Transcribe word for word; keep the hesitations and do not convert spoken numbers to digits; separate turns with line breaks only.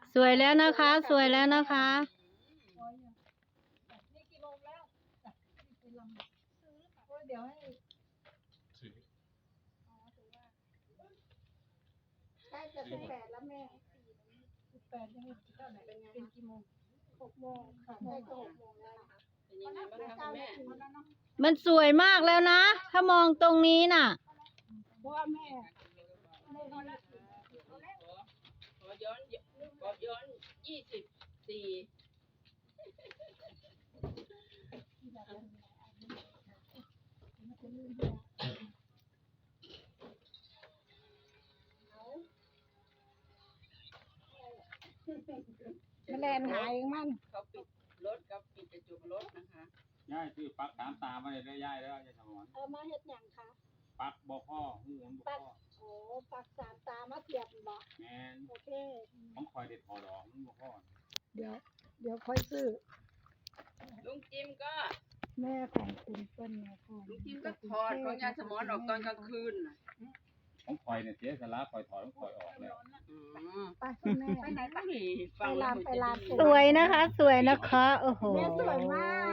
สวยแล้วนะคะ สวยแล้วนะคะ
นี่กี่โมงแล้วไปลำซื้อโอ้ยเดี๋ยวให้ใกล้จะสิบแปดแล้วแม่สิบแปดยังไม่เท่าไหร่เป็นไงเป็นกี่โมงหกโมงค่ะใกล้จะหกโมงแล้วนะคะเป็นยังไงบ้างคะแม่
มันสวยมากแล้วนะ ถ้ามองตรงนี้น่ะ
เพราะว่าแม่แม่เขาละ
ขอย้อนขอย้อนยี่สิบสี่
แมลงหายมัน
เขาปิดรถกับปิดกระจกรถนะคะ
ย่ายคือปักสามตามาเลยได้ย่ายแล้วยายสมร
เอามาเฮ็ดหยังคะ
ปักบ่อพ่อหูหมุนบ่อพ่อ
โอ้ปักสามตามาเสียบบ่
แมน
โอเค
ของคอยเด็ดถอดออกมันบ่พ่อ
เดี๋ยว เดี๋ยวค่อยซื้อ
ลุงจิมก็
แม่ของคุณเปิ้ลนะค่ะ
ลุงจิมก็ถอดของยาสมอนออกตอนกลางคืนน่ะ
ของคอยเนี่ยเสียสละคอยถอดของคอยออกแล้ว
อืม
ไปคุณแม่
ไปไหนไป
ไปลานไปลาน
สวยนะคะ สวยนะคะ โอ้โห
แม่สวยมาก